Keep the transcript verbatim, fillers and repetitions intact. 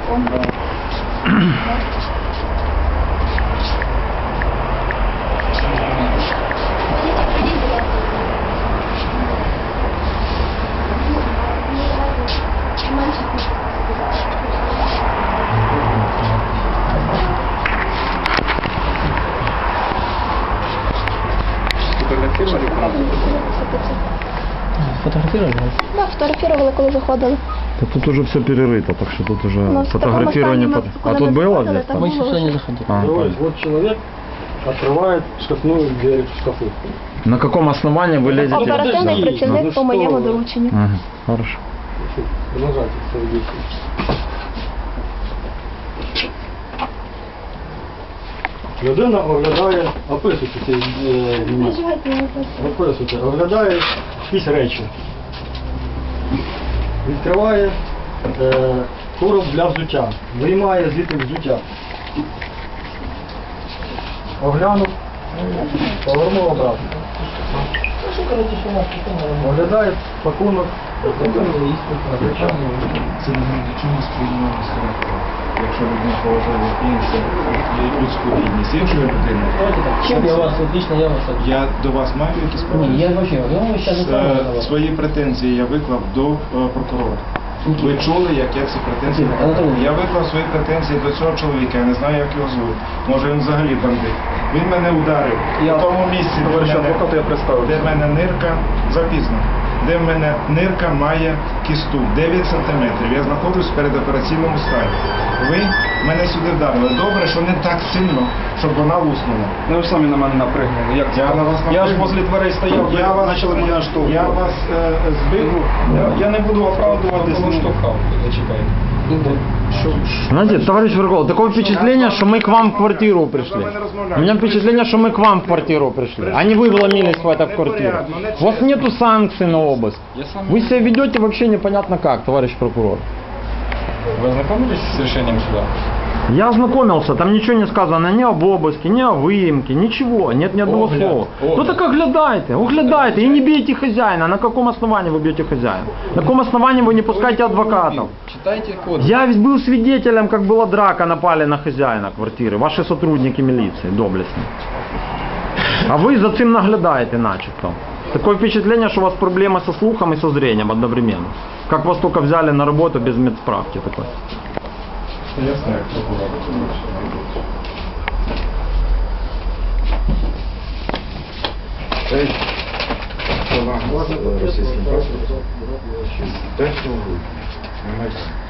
телефон. Фотографировали? Да, фотографировали, коли заходили. Да тут уже все перерыто, так что тут уже Ну, в фотографирование... таком под- стані А ми- тут коли ми было заходили, здесь? там Там? Мы еще сюда не заходили. А, Вот, понятно. вот человек открывает шкафную дверь в шкафу. На каком основании вы лезете? Оперативний подожди, працівник ну по що моєму ви? дорученню. Ага, хорошо. Продолжайте свои действия. Людина оглядає, описуйте цей е, момент. Описуйте, оглядає якісь речі. Відкриває е, короб для взуття. Виймає звідти взуття. Оглянув, повернув обратно. Оглядає пакунок. Це не має нічого спільного з характером. Якщо людина поважає інше, людську гідність іншої людини, Чем я вас, вот лично я вас... я до вас маю якісь Не, претензії? я вообще, я вам сейчас не Е, знаю. Свої претензії я виклав до е, прокурора. Ви чули, як я ці претензії Анатолій. виклав? Я виклав свої претензії до цього чоловіка, я не знаю, як його звуть. Може він взагалі бандит. Він мене ударив Я- в тому місці, де Товариш в мене, адвокат, я представився. де в мене нирка запізно. Де в мене нирка має кісту дев'ять сантиметрів. Я знаходжусь в передопераційному стані. Ви мене сюди вдарили. Добре, що не так сильно, щоб вона луснула. Ну ви ж самі на мене напригнули. Як це? Я на вас Я ж напригнув. возле дверей стояв, Я вас, почали мене я наштовхувати. вас е, збив. Я, я не буду оправдуватись. Ну, Зачекайте. Знаете, товарищ Варгол, такое впечатление, что мы к вам в квартиру пришли. У меня впечатление, что мы к вам в квартиру пришли, а не вы вломились в эту квартиру. У вас нету санкций на обыск. Вы себя ведете вообще непонятно как, товарищ прокурор. Вы ознакомились с решением суда? Я ознакомился, там ничего не сказано ни об обыске, ни о выемке, ничего, нет ни одного Огляд, слова. огляд. Ну так оглядайте, оглядайте и не бейте хозяина. На каком основании вы бьете хозяина? На каком основании вы не пускаете адвокатов? Читайте кодекс. Я ведь был свидетелем, как была драка, напали на хозяина квартиры, ваши сотрудники милиции, доблестные. А вы за цим наглядаете начебто. Такое впечатление, что у вас проблемы со слухом и со зрением одновременно. Как вас только взяли на работу без медсправки такой. Я знаю, кто был. Эй, російським паспортом. Так, що ви? Немає.